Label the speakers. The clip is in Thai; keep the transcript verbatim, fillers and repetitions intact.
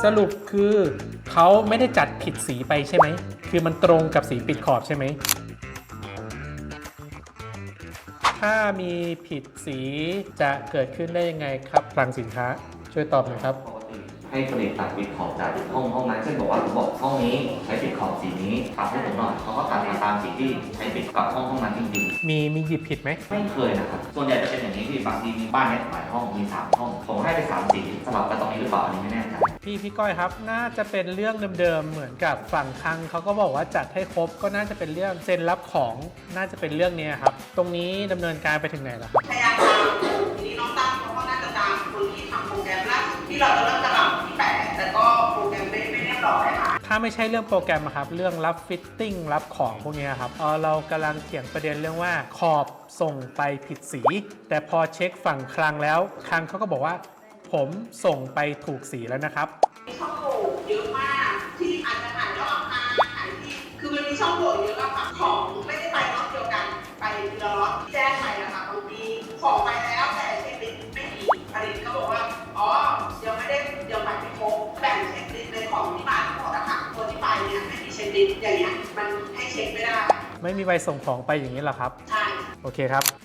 Speaker 1: สรุปคือเขาไม่ได้จัดผิดสีไปใช่ไหมคือมันตรงกับสีปิดขอบใช่ไหมถ้ามีผิดสีจะเกิดขึ้นได้ยังไงครับคลังสินค้าช่วยตอบหน่อยครับ
Speaker 2: ให้ผลิตตัดปิดขอบจากห้องห้องนั้นเช่นบอกว่าผมบอกห้องนี้ใช้ปิดขอบสีนี้ตัดให้ผมหน่อยเขาก็ตัดมาตามสีที่ใช้ปิดกับห้องห้องนั้นจริง
Speaker 1: ๆมีมีหยิบผิดไหม
Speaker 2: ไม่เคยนะครับส่วนใหญ่จะเป็นอย่างนี้ที่บางทีมีบ้านเนี้ยหลายห้องมีสามห้องผมให้ไปสามสีสลับกันตรงนี้หรือเปล่าอันนี้ไม่แน่ใจ
Speaker 1: พี่พี่ก้อยครับน่าจะเป็นเรื่องเดิมๆเหมือนกับฝั่งคลังเขาก็บอกว่าจัดให้ครบก็น่าจะเป็นเรื่องเซ็นรับของน่าจะเป็นเรื่องนี้ครับตรงนี้ดำเนินการไปถึงไหนแล้วครับ
Speaker 3: พยายามตามทีนี้น้องตั้งเขาก็น่าจะตามคนที่ทำโปรแกรมล่าสุดที่เราจะเริ่มกระหล่ำที่แปดแต่ก็โปรแกรมไม่ไม่เรียบร้อยค่ะ
Speaker 1: ถ้าไม่ใช่เรื่องโปรแกรมครับเรื่องรับฟิตติ้งรับของพวกนี้ครับเออเรากำลังเถียงประเด็นเรื่องว่าขอบส่งไปผิดสีแต่พอเช็คฝั่งคลังแล้วคลังเขาก็บอกว่าผมส่งไปถูกสีแล้วนะครับ
Speaker 3: มีช่องโหว่เยอะมากที่อาจจะหายแล้วเอามาหายที่คือมันมีช่องโหว่เยอะอะค่ะของไม่ได้ไปล็อตเดียวกันไปทีละล็อตแจ้งไปอะค่ะบางทีของไปแล้วแต่เช็คลิสต์ไม่มีผลิตก็บอกว่าอ๋อเดี๋ยวไม่ได้เดี๋ยวไปไม่ครบแบ่งเช็คลิสต์ในของที่มาทั้งหมดอะค่ะตัวที่ไปเนี่ยไม่มีเช็คลิสต์อย่างเงี้ยมันให้เช็คไม่ได้
Speaker 1: ไม่มีใบส่งของไปอย่างนี้หรอครับ
Speaker 3: ใช่
Speaker 1: โอเคครับ